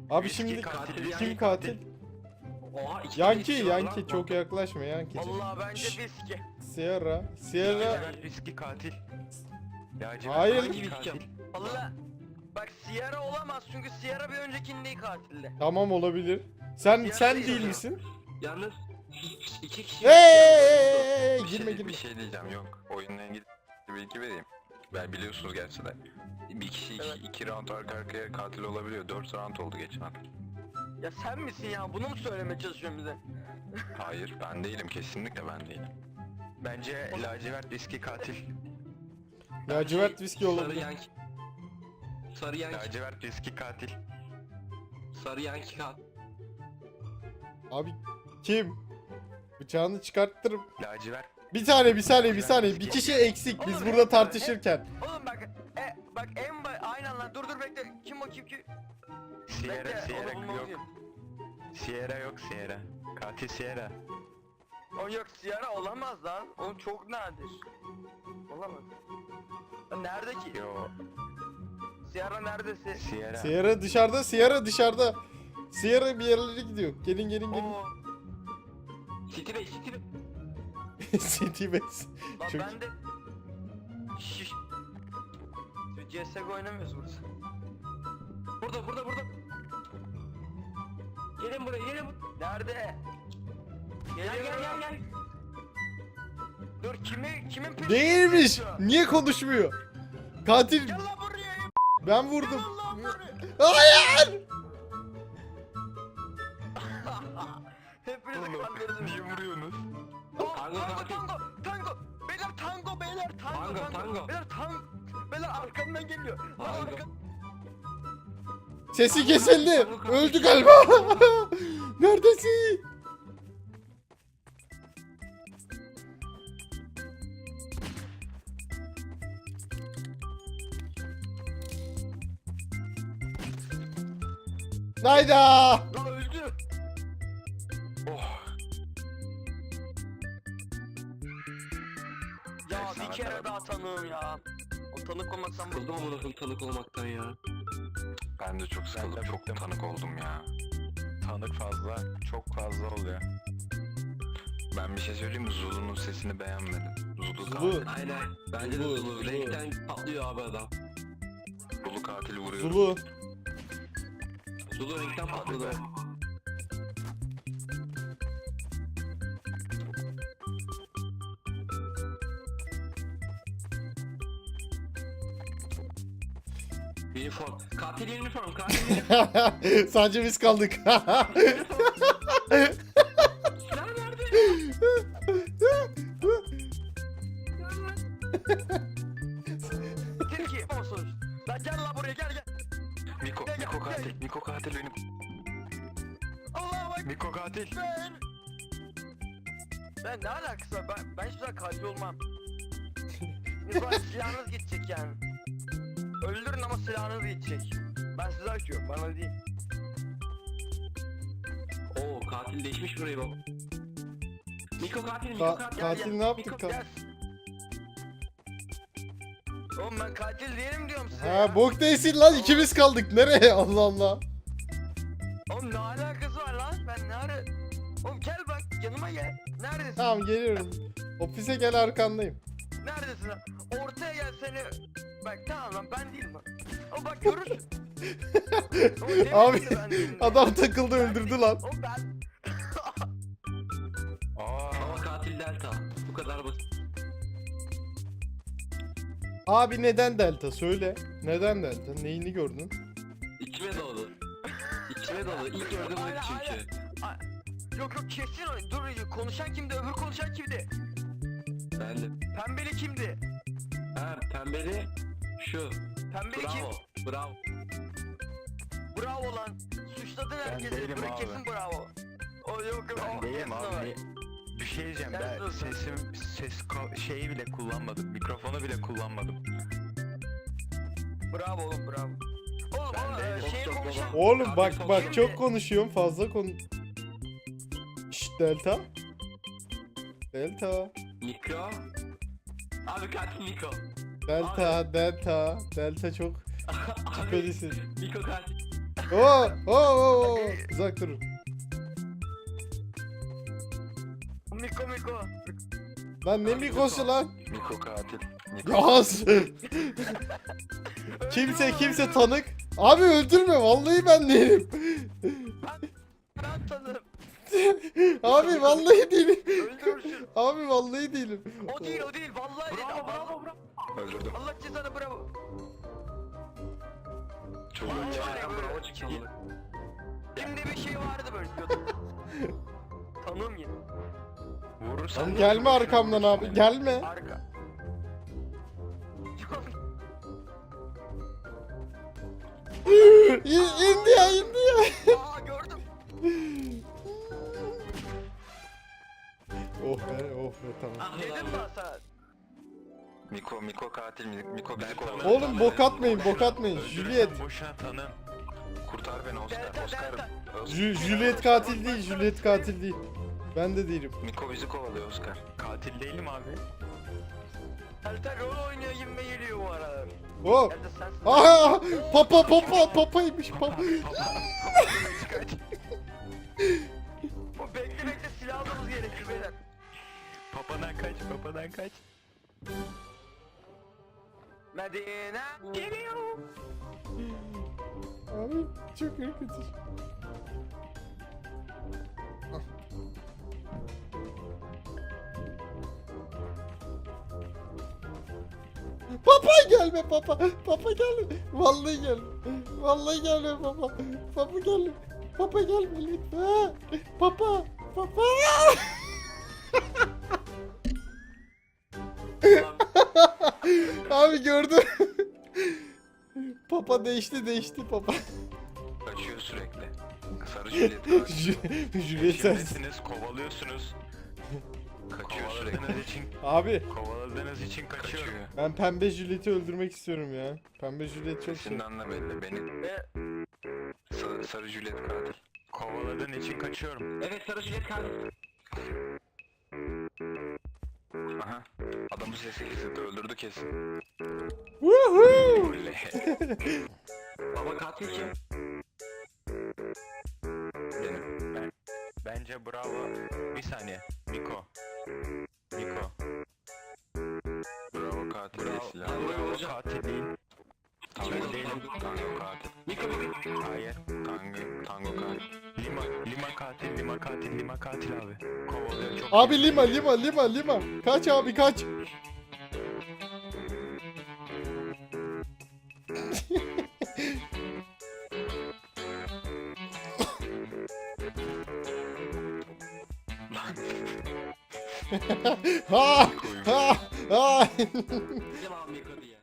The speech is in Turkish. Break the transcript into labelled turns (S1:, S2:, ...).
S1: Abi
S2: Viski
S1: şimdi
S2: katil,
S1: kim katil?
S3: Oha, iki
S1: Yanki,
S3: kişi var
S1: Yanki
S3: lan.
S1: çok yaklaşma Yanki'cim.
S4: Allah bence
S1: Şşş.
S4: viski.
S1: Sierra, Sierra.
S2: Lacivert viski katil. Lacivert
S1: Hayır.
S2: viski
S3: Hangi
S2: katil.
S4: Allah. Bak Sierra olamaz çünkü Sierra bir öncekinde katildi.
S1: Tamam olabilir. Sen
S4: Sierra
S1: değil
S4: değil
S1: misin?
S3: Yalnız iki kişi.
S1: Hey, girme
S2: Bir
S1: girme.
S2: şey diyeceğim yok. Oyunla ilgili bir bilgi vereyim. Ben biliyorsunuz gerçi de. Bir kişi iki round arka arkaya katil olabiliyor. 4 round oldu geçen hafta.
S4: Ya sen misin ya? Bunu mu söylemeye çalışıyorsun bize?
S2: Hayır ben değilim, kesinlikle ben değilim. Bence lacivert viski katil.
S1: Lacivert viski
S3: Sarı
S1: olabilir.
S3: yanki. Sarı yanki.
S2: Lacivert viski katil.
S3: Sarı yanki katil.
S1: Abi kim? Bıçağını çıkarttırım.
S2: Lacivert.
S1: Bir saniye. Bir kişi eksik biz burada tartışırken.
S4: Oğlum bak en aynen lan dur bekle. Kim o kim?
S2: Sierra,
S4: Bekle,
S2: Sierra
S4: onu
S2: yok.
S4: bulmalıyım.
S2: Sierra yok, Sierra. Katil Sierra.
S4: O yok Sierra olamaz lan. O çok nadir. Olamaz. Lan nerede ki?
S2: Yo,
S4: Sierra neredesin?
S2: Sierra.
S1: Sierra dışarıda. Sierra bir yerlere gidiyor. Gelin.
S4: Oo,
S3: City Bey, City Bey.
S1: City Base.
S4: lan
S1: Çok-
S4: ben de... Şiş. CSGO oynamıyoruz burada.
S3: Burada. Gelin buraya, gelin buraya.
S4: Nerede?
S3: Gel.
S4: Dur kimin peşinde?
S1: Değilmiş.
S4: koşuyor?
S1: Niye konuşmuyor? Katil
S4: Gel lan buraya.
S1: ben vurdum.
S4: Gel lan buraya.
S1: Hayır.
S4: Hepinizi
S2: Oğlum,
S4: kandırdım.
S2: niye vuruyorsunuz?
S3: Tango,
S4: Tango. Beyler tango.
S3: Tango.
S4: Beyler arkamdan geliyor. Lan
S3: Tango.
S1: Sesi kesildi. Öldü galiba. Neredesin? Hayda.
S4: Lan öldü.
S2: Oh.
S4: Ya
S2: Neyse,
S4: bir kere
S2: tamam.
S4: daha tanığım ya. O tanık olmasam
S3: Sıkıldım amına koyayım tanık olmaktan ya.
S2: Ben de çok sıkıldım,
S5: Ben de
S2: çok
S5: bıktım.
S2: tanık oldum ya.
S5: Tanık fazla, çok fazla oluyor.
S2: Ben bir şey söyleyeyim mi? Zulu'nun sesini beğenmedim. Zulu
S1: Zulu.
S2: katil.
S3: Aynen. Bence de
S1: Zulu,
S3: Zulu.
S1: Zulu.
S3: Renkten patlıyor abi adam.
S2: Zulu katili vuruyor.
S1: Zulu.
S3: Zulu renkten patladı. Uniform. Katil uniform.
S1: Sadece biz kaldık.
S3: Silah nerede?
S4: Tilki olsun. Lan gel lan buraya gel.
S2: Miko katil. Miko katil benim.
S4: Allah'a bak.
S2: Miko katil.
S4: Ben ne alakası var? Ben hiçbir zaman katil olmam. Biz bana silahınız gidecek yani. Öldürün ama silahınız gidecek. Ben size açıyorum bana değil.
S3: Oo katil değişmiş burayı baba. Miko katil, Miko katil.
S1: Katil ne yaptık?
S4: Gel. Oğlum ben katil değilim diyorum size
S1: Ha
S4: ya.
S1: bok değilsin lan ikimiz kaldık. Nereye? Allah Allah.
S4: Oğlum ne alakası var lan? Ben ne ara... Oğlum gel bak yanıma gel. Neredesin?
S1: Tamam geliyorum. Ofise gel arkandayım.
S4: Neredesin lan? Ortaya gel seni. Bak tamam lan ben değilim lan. Oğlum bak görürsün. Oğlum, demin
S1: Abi,
S4: de ben değilim.
S1: Adam takıldı
S4: Ben
S1: öldürdü
S4: değilim.
S1: lan.
S4: Oğlum ben...
S3: Ama katil Delta. Bu kadar basit.
S1: Abi neden Delta? Söyle. Neden Delta? Neyini gördün?
S3: İçime doğdu. İçime doğdu. İlk gördüğüm oydu
S4: Hala,
S3: çünkü.
S4: Yok kesin o. Dur konuşan kimdi? Öbür konuşan kimdi?
S3: Ben de.
S4: Pembeli kimdi?
S3: Ha pembeli şu.
S4: Pembeli
S3: Bravo.
S4: kim?
S3: Bravo.
S4: Bravo lan. Suçladın herkesi.
S5: değilim
S4: Dur,
S5: abi.
S4: kesin bravo. O yok.
S5: Ben
S4: o
S5: değilim
S4: kesin o.
S5: abi. Bir şey diyeceğim,
S4: Sen
S5: ben
S4: dur.
S5: şeyi bile kullanmadım, mikrofonu bile kullanmadım.
S4: Bravo oğlum bravo. Oğlum
S5: Ben
S4: o
S5: değilim.
S4: şeyi
S3: Çok
S4: konuşan...
S3: baba.
S1: Oğlum bak
S3: Katil
S1: bak
S4: kimdi?
S1: çok konuşuyorum fazla Şşt Delta. Delta.
S3: Miko. Abi katil Miko.
S1: Delta. Delta çok
S3: Abi,
S1: şüphelisin.
S3: Miko katil.
S1: Uzak durun.
S4: Miko.
S1: Lan ne mikosu lan?
S2: Miko katil.
S1: Yaz. kimse tanık. Abi öldürme vallahi ben değilim.
S4: Ben tanırım.
S1: Abi vallahi değilim.
S4: Öldürürsün.
S1: Abi vallahi değilim.
S4: O değil vallahi değil.
S3: Bravo.
S2: Öldürdüm.
S4: Allah cezanı bravo.
S2: Çok
S4: Aa,
S2: iyi.
S4: var ya böyle.
S3: Bravo çıktı.
S4: Şimdi bir şey vardı böyle diyordum. Tanım ya.
S5: Vurursan
S1: Lan gelme arkamdan abi gelme.
S4: Arka.
S1: indi ya.
S4: Aa gördüm.
S1: Oh be tamam.
S3: Ah
S4: Dedim
S3: lan.
S4: ben sana.
S2: Miko katil. Miko bizi
S5: Ben
S2: kovalıyor.
S5: tanırım.
S1: Oğlum bok atmayın bok atmayın.
S5: Öldürürsen
S1: Juliet.
S5: boşuna tanım.
S2: Kurtar beni Oscar. Oscar.
S1: Juliet katil değil. Juliet katil değil. Ben de değilim.
S2: Miko bizi kovalıyor Oscar.
S5: Katil değilim abi.
S4: Halter rol oynuyor gibi geliyor bu aralar.
S1: Oh.
S4: Nerede sensin?
S1: Aha papaymış papa.
S4: O bekle silah almamız gerekir beyler.
S5: Papadan kaç.
S4: Medine geliyor.
S1: Abi çok ürkütücü. Papa gelme papa. Papa gelme. Vallahi gelme. Vallahi gelme papa. Papa gelme. Papa gelme lütfen. Papa. Abi gördün. Papa değişti papa.
S2: Kaçıyor sürekli. Sarı Juliet katil.
S1: Juliet sensin.
S5: Peşindesiniz, kovalıyorsunuz.
S2: Kaçıyor sürekli.
S5: Kovaladığınız için kaçıyor.
S2: Kaçıyor.
S1: Ben pembe Juliet'i öldürmek istiyorum ya. Pembe Juliet çok şey.
S2: Sesinden de belli. Beni
S4: Ve
S2: sarı Juliet katil.
S5: Kovaladığın için kaçıyorum.
S3: Evet sarı jilet katil.
S2: Aha. Adamın sesi kesildi. Öldürdü kesin.
S1: Woohoo!
S2: Oley.
S3: Baba katil kim?
S2: Benim.
S5: Bence bravo. Bir saniye. Miko.
S2: Bravo katil değil
S5: Bravo.
S2: silah.
S5: Bravo katil değil.
S2: Tango
S5: Ben değilim.
S2: Tango katil.
S3: Miko bu.
S5: Hayır.
S2: Tango katil.
S5: Lima katil abi. Kovalıyor çok.
S1: Abi lima. Kaç abi kaç. ha.
S3: Devam Miko diye.